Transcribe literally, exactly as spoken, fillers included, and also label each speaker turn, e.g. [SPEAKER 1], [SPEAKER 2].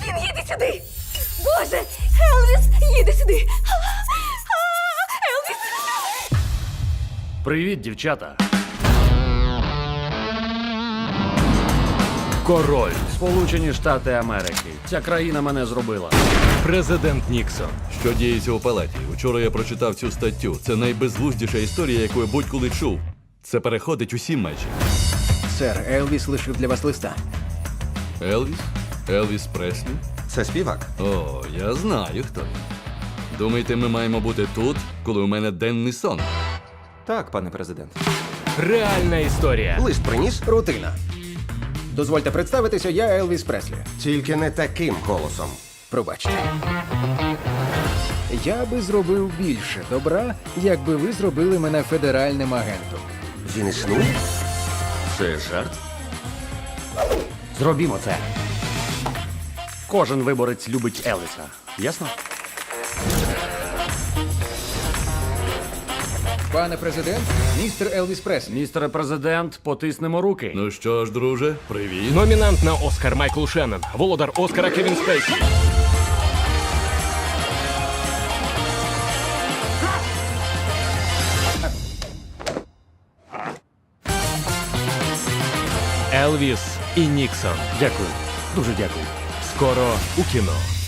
[SPEAKER 1] Він їде сюди! Боже! Елвіс їде сюди! А, а, Елвіс!
[SPEAKER 2] Привіт, дівчата. Король. Сполучені Штати Америки. Ця країна мене зробила.
[SPEAKER 3] Президент Ніксон.
[SPEAKER 4] Що діється у палаті? Вчора я прочитав цю статтю. Це найбезглуздіша історія, яку я будь-коли чув. Це переходить усі межі.
[SPEAKER 5] Сер, Елвіс лишив для вас листа.
[SPEAKER 4] Елвіс? Елвіс Преслі?
[SPEAKER 6] Це співак?
[SPEAKER 4] О, я знаю, хто він. Думаєте, ми маємо бути тут, коли у мене денний сон?
[SPEAKER 6] Так, пане президент.
[SPEAKER 3] Реальна історія.
[SPEAKER 6] Лист приніс?
[SPEAKER 5] Рутина. Дозвольте представитися, я Елвіс Преслі.
[SPEAKER 6] Тільки не таким голосом.
[SPEAKER 5] Пробачте. Я би зробив більше добра, якби ви зробили мене федеральним агентом.
[SPEAKER 6] Він існує?
[SPEAKER 2] Це жарт? Зробімо це. Кожен виборець любить Елвіса. Ясно?
[SPEAKER 5] Пане президент, містер Елвіс Преслі.
[SPEAKER 2] Містере президент, потиснемо руки.
[SPEAKER 4] Ну що ж, друже, привіт.
[SPEAKER 3] Номінант на Оскар Майкл Шеннон. Володар Оскара Кевін Спейсі. Елвіс і Ніксон.
[SPEAKER 2] Дякую. Дуже дякую.
[SPEAKER 3] Скоро у кіно.